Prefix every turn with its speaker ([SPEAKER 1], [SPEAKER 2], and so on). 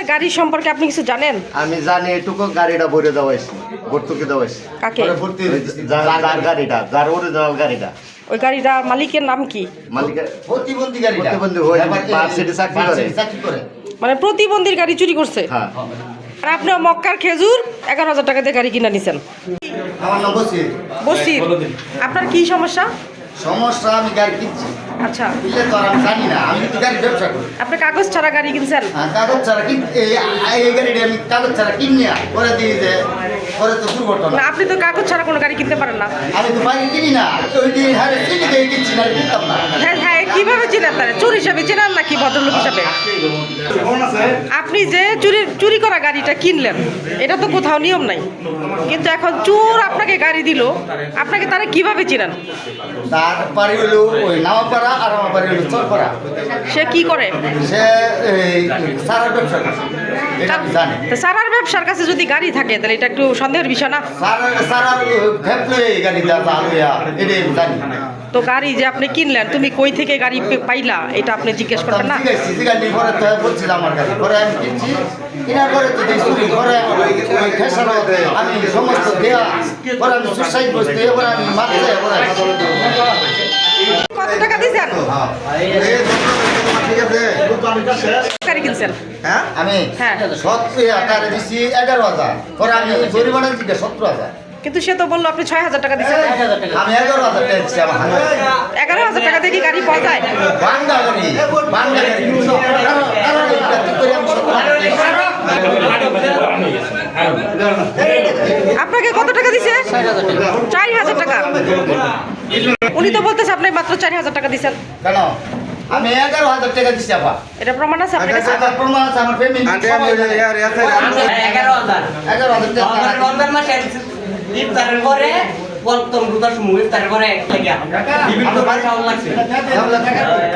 [SPEAKER 1] গাড়ি সম্পর্কে আপনি কিছু জানেন?
[SPEAKER 2] আমি জানি এটুকু গাড়িটা ভরে দেওয়া হয়েছে, ভর্তুকি দেওয়া হয়েছে।
[SPEAKER 1] কাকে?
[SPEAKER 2] যার গাড়িটা, যার অরিজিনাল গাড়িটা।
[SPEAKER 1] ওই গাড়িটার মালিকের নাম কি?
[SPEAKER 2] মালিকের
[SPEAKER 3] প্রতিবন্ধী গাড়িটা
[SPEAKER 2] প্রতিবন্ধী হয়ে ভার্সিটি চাকরি করে।
[SPEAKER 1] মানে প্রতিবন্ধীর গাড়ি চুরি করছে।
[SPEAKER 2] হ্যাঁ।
[SPEAKER 1] আর আপনি মক্কার খেজুর 11,000 টাকা দিয়ে গাড়ি কিনা নিছেন।
[SPEAKER 3] আমার নাম বসির।
[SPEAKER 1] বসির, আপনার কি সমস্যা?
[SPEAKER 3] সমস্যা আমি গাড়ি কিনছি,
[SPEAKER 1] আচ্ছা,
[SPEAKER 3] কিনলে তো আর আমি জানি না, আমি তো গাড়ি ব্যবসা করি।
[SPEAKER 1] আপনি কাগজ ছাড়া গাড়ি কিনছেন?
[SPEAKER 3] কাগজ ছাড়া এই গাড়িটা আমি কাগজ ছাড়া কিনিয়া পরে দিয়ে যে পরে তো দুর্ঘটনা।
[SPEAKER 1] না, আপনি তো কাগজ ছাড়া কোনো গাড়ি কিনতে পারেন না।
[SPEAKER 3] আমি তো বাইরে কিনি না, ওই দিন হারে চিনি দিয়ে কিনছি না, কিনতাম না।
[SPEAKER 1] হ্যাঁ হ্যাঁ, কিভাবে চিনেন তারা? চোর হিসাবে চেনেন নাকি ভদ্রলোক হিসাবে? আপনি যে চুরি করা গাড়িটা কিনলেন, এটা তো কোথাও নিয়ম নাই, কিন্তু এখন চোর আপনাকে গাড়ি দিল, আপনাকে তারা কিভাবে চিনেন?
[SPEAKER 3] তার বাড়ি হলো ওই নামাপাড়া, আর আমার বাড়ি হলো চরপাড়া।
[SPEAKER 1] সে কি করে?
[SPEAKER 3] সে এই সারার ব্যবসা করে, এটা আমি জানি।
[SPEAKER 1] তা সারার ব্যবসার কাছে যদি গাড়ি থাকে তাহলে এটা একটু সন্দেহের বিষয় না?
[SPEAKER 3] সারার ভেপলে এই গাড়িটা চালুয়া, এটাই আমি জানি।
[SPEAKER 1] তো গাড়ি যে আপনি কিনলেন, তুমি কই থেকে গাড়ি পাইলা এটা আপনি জিজ্ঞেস করবেন না?
[SPEAKER 3] গাড়ি পরে তো বলছিল আমার গাড়ি, পরে আমি কিনছি, কেনার পরে তো দেখছি পরে ওই খেসার আমি সমস্ত দেয়া, পরে আমি সুসাইড বসতে, এবার আমি মারতে,
[SPEAKER 1] কত টাকা দিয়েছেন গাড়ি কিনছেন?
[SPEAKER 3] হ্যাঁ আমি
[SPEAKER 1] হ্যাঁ।
[SPEAKER 3] 17,000 দিচ্ছি, 11,000, পরে আমি জরিমানা দিচ্ছি 17,000।
[SPEAKER 1] কিন্তু সে তো বললো আপনি 6,000 টাকা দিচ্ছেন।
[SPEAKER 3] আমি 11,000 টাকা দিচ্ছি আমার হাতে।
[SPEAKER 1] 11,000 টাকা দিয়ে কি গাড়ি পাওয়া যায়?
[SPEAKER 3] বাংলা গাড়ি, বাংলা গাড়ি কিনছি। এইটা কি করে আমি 17,000
[SPEAKER 1] আপনাকে কত টাকা দিছে? 4,000 টাকা। উনি তো বলতেছে আপনি মাত্র 4,000 টাকা দিচ্ছেন।
[SPEAKER 3] কেন? আমি 11,000 টাকা দিচ্ছি আপা।
[SPEAKER 1] এটা প্রমাণ আছে আপনার কাছে?
[SPEAKER 3] আমার প্রমাণ আছে, আমার ফ্যামিলি 11,000 টাকা।
[SPEAKER 4] রমজান মাসে ইফতারের পরে প্রথম রোজার সময় ইফতারের পরে এক লাগে বিভিন্ন খাওয়া লাগছে।